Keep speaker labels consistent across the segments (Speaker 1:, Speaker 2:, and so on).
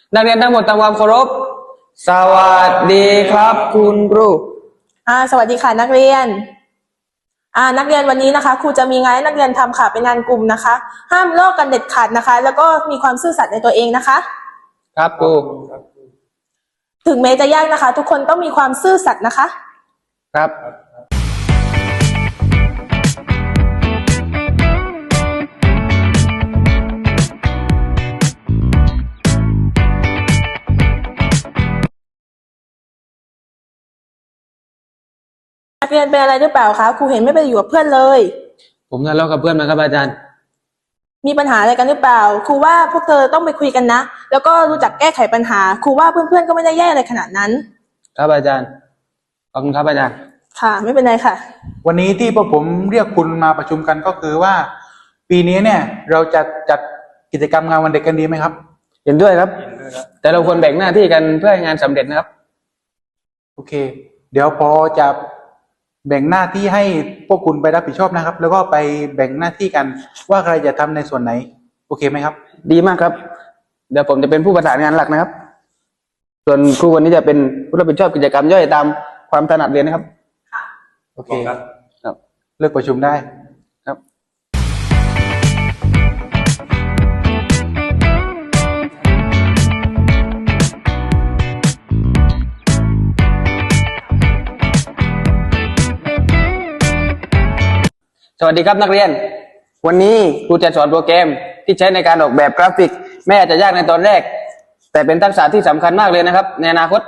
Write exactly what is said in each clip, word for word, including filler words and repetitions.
Speaker 1: นักเรียนทั้งหมดทำความเคารพสวัสดีครับคุณครู
Speaker 2: อ่าสวัสดีค่ะนักเรียนอ่านักเรียนวันนี้นะคะครูจะมีงานให้นักเรียนทำค่ะเป็นงานกลุ่มนะคะ ห้ามลอกกันเด็ดขาดนะคะ แล้วก็มีความซื่อสัตย์ในตัวเองนะคะ
Speaker 1: ครับครู
Speaker 2: ถึงแม้จะยากนะคะ ทุกคนต้องมีความซื่อสัตย์นะคะ
Speaker 1: ครับ
Speaker 2: นักเรียนเป็นอะไรหรือเปล่าคะครูเห็นไม่ไปอยู่กับเพื่อนเลย
Speaker 1: ผมทะเลาะกับเพื่อนมาครับอาจารย์
Speaker 2: มีปัญหาอะไรกันหรือเปล่าครูว่าพวกเธอต้องไปคุยกันนะแล้วก็รู้จักแก้ไขปัญหาครูว่าเพื่อนๆก็ไม่ได้แย่อะไรขนาดนั้น
Speaker 1: ครับอาจารย์ขอบคุณครับอาจารย์
Speaker 2: ค่ะไม่เป็นไรค่ะ
Speaker 3: วันนี้ที่พวกผมเรียกคุณมาประชุมกันก็คือว่าปีนี้เนี่ยเราจะจัดกิจกรรมงานวันเด็กกันดีไหมครับ
Speaker 1: เห็นด้วยครับแต่เราควรแบ่งหน้าที่กันเพื่อให้งานสำเร็จนะครับ
Speaker 3: โอเคเดี๋ยวพอจะแบ่งหน้าที่ให้พวกคุณไปรับผิดชอบนะครับแล้วก็ไปแบ่งหน้าที่กันว่าใครจะทำในส่วนไหนโอเคไหมครับ
Speaker 1: ดีมากครับเดี๋ยวผมจะเป็นผู้ประสานงานหลักนะครับส่วนครูวันนี้จะเป็นผู้รับผิดชอบกิจกรรมย่อยตามความถนัดเรียนนะครับ
Speaker 2: ค่ะ
Speaker 3: โอเคครับครับเลิกประชุมได้
Speaker 1: ครับสวัสดีครับนักเรียนวันนี้ครูจะสอนโปรแกรมที่ใช้ในการออกแบบกราฟิกแม้อาจจะยากในตอนแรกแต่เป็นทักษะที่สำคัญมากเลยนะครับในอนาคต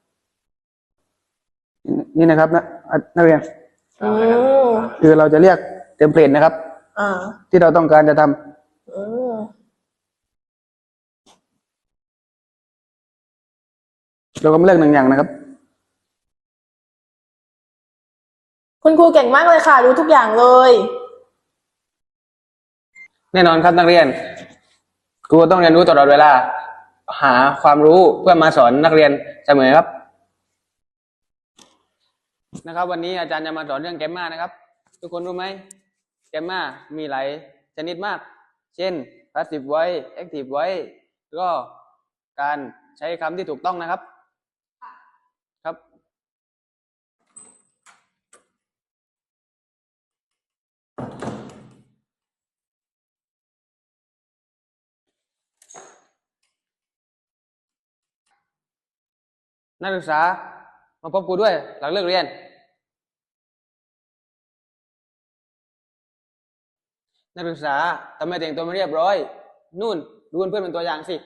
Speaker 1: นี่นะครับนะนักเรียนคือเราจะเรียกเทมเพลตนะครับที่เราต้องการจะทำเราก็มาเลือกหนึ่งอย่างนะครับ
Speaker 2: คุณครูเก่งมากเลยค่ะรู้ทุกอย่างเลย
Speaker 1: แน่นอนครับนักเรียนครูต้องเรียนรู้ตลอดเวลาหาความรู้เพื่อมาสอนนักเรียนเสมอครับนะครับวันนี้อาจารย์จะมาสอนเรื่องแกมมานะครับทุกคนรู้ไหมแกมมามีหลายชนิดมากเช่น passive voice active voice ก็การใช้คำที่ถูกต้องนะครับครับนักศึกษามาพบครูด้วยหลังเลิกเรียนนักศึกษาทำไมแต่งตัวไม่เรียบร้อยนู่นดูเพื่อนเป็นตัวอย่างสิ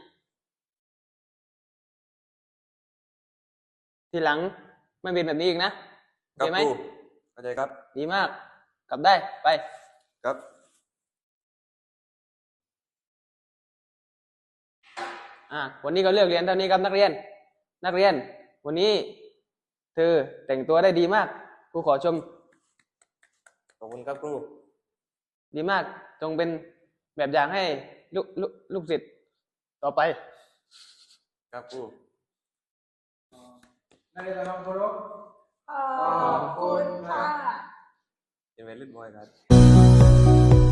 Speaker 1: ทีหลังไม่เป็นแบบนี้อีกนะเข้าใจไหม
Speaker 4: เข้าใจครับ
Speaker 1: ดีมากกลับได้ไป
Speaker 4: ครับ
Speaker 1: อ่าวันนี้ก็เลิกเรียนเท่านี้ครับนักเรียนนักเรียนวันนี้เธอแต่งตัวได้ดีมากครูขอชม
Speaker 4: ขอบคุณครับครู
Speaker 1: ดีมากจงเป็นแบบอย่างให้ลูกลูกลูกศิษย์ต่อไป
Speaker 4: ครับครู
Speaker 3: นักเรียนทำเคารพ
Speaker 2: ขอบคุณค่ะ
Speaker 4: เป็นวัยรุ่นบอยครับ